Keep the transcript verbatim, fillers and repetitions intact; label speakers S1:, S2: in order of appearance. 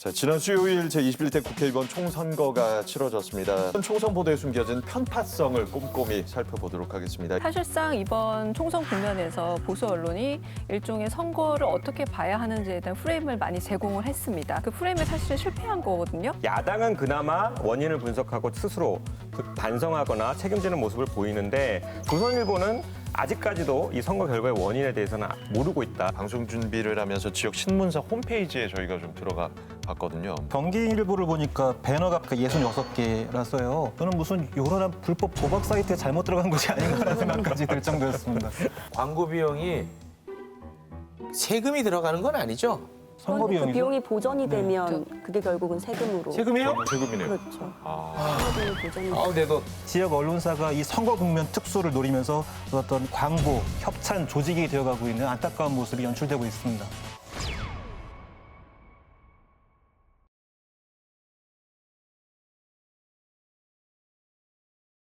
S1: 자, 지난 수요일 제이십일 대 국회의원 총선거가 치러졌습니다. 총선 보도에 숨겨진 편파성을 꼼꼼히 살펴보도록 하겠습니다.
S2: 사실상 이번 총선 국면에서 보수 언론이 일종의 선거를 어떻게 봐야 하는지에 대한 프레임을 많이 제공을 했습니다. 그 프레임에 사실은 실패한 거거든요.
S3: 야당은 그나마 원인을 분석하고 스스로 반성하거나 책임지는 모습을 보이는데 조선일보는 아직까지도 이 선거 결과의 원인에 대해서는 모르고 있다.
S1: 방송 준비를 하면서 지역 신문사 홈페이지에 저희가 좀 들어가 봤거든요.
S4: 경기일보를 보니까 배너가 예순여섯 개라서요. 저는 무슨 요런한 불법 도박 사이트에 잘못 들어간 것이 아닌가라는 생각까지 들 정도였습니다.
S5: 광고 비용이 세금이 들어가는 건 아니죠?
S4: 선거
S6: 그
S4: 비용이죠.
S6: 비용이 보전이 되면 그게 결국은 세금으로.
S5: 세금이요?
S1: 세금이네요.
S6: 그렇죠.
S1: 아,
S6: 선거 비용이 보전이 되면.
S5: 아, 내도
S4: 지역 언론사가 이 선거 국면 특수를 노리면서 어떤 광고, 협찬 조직이 되어가고 있는 안타까운 모습이 연출되고 있습니다.